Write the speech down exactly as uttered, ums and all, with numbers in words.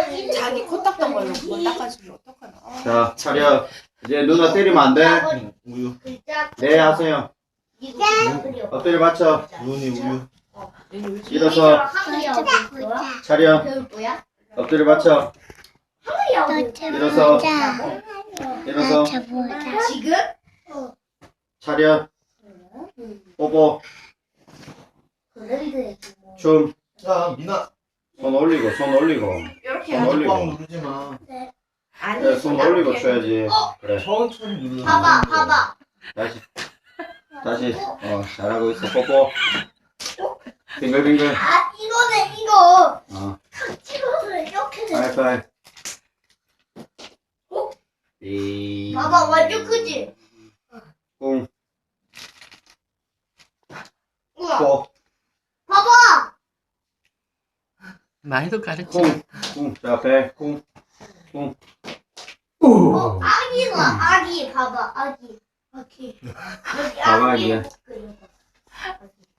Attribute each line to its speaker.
Speaker 1: 자기 코 닦던 걸로 그걸 닦아주면 어떡하나. 아.
Speaker 2: 자, 차려. 이제 누나 때리면 안 돼.
Speaker 3: 우유.
Speaker 2: 네, 하세요. 엎드려 맞춰.
Speaker 3: 우윤이 우유.
Speaker 2: 일어서. 차려. 엎드려 맞춰. 일어서. 일어서.
Speaker 4: 지금?
Speaker 2: 차려. 뽀뽀. 춤.
Speaker 3: 자, 미나.
Speaker 2: 손 올리고, 손 올리고.
Speaker 1: 이렇게
Speaker 2: 손
Speaker 1: 해야지.
Speaker 2: 올리고.
Speaker 3: 꽉 누르지 마.
Speaker 1: 아니,
Speaker 2: 그래, 손 올리고 쳐야지. 그래.
Speaker 3: 천천히 누르.
Speaker 4: 봐봐, 봐봐.
Speaker 2: 다시. 다시. 어, 잘하고 있어. 뽀뽀. 빙글빙글.
Speaker 4: 아, 이거네, 이거.
Speaker 2: 어.
Speaker 4: 탁 찍어서 이렇게 돼.
Speaker 2: 하이파이.
Speaker 4: 어?
Speaker 2: 이.
Speaker 4: 봐봐, 완전 크지?
Speaker 2: 꿍.
Speaker 4: 우와.
Speaker 2: 뽀.
Speaker 4: 봐봐.
Speaker 1: 말도 가르쳐.
Speaker 2: 쿵. 쿵. 자, 배. 쿵. 쿵.
Speaker 4: 어, 아기가, 아기, 봐봐, 아기. 아기. 여기
Speaker 2: 봐봐,
Speaker 4: 아기.
Speaker 2: 이제.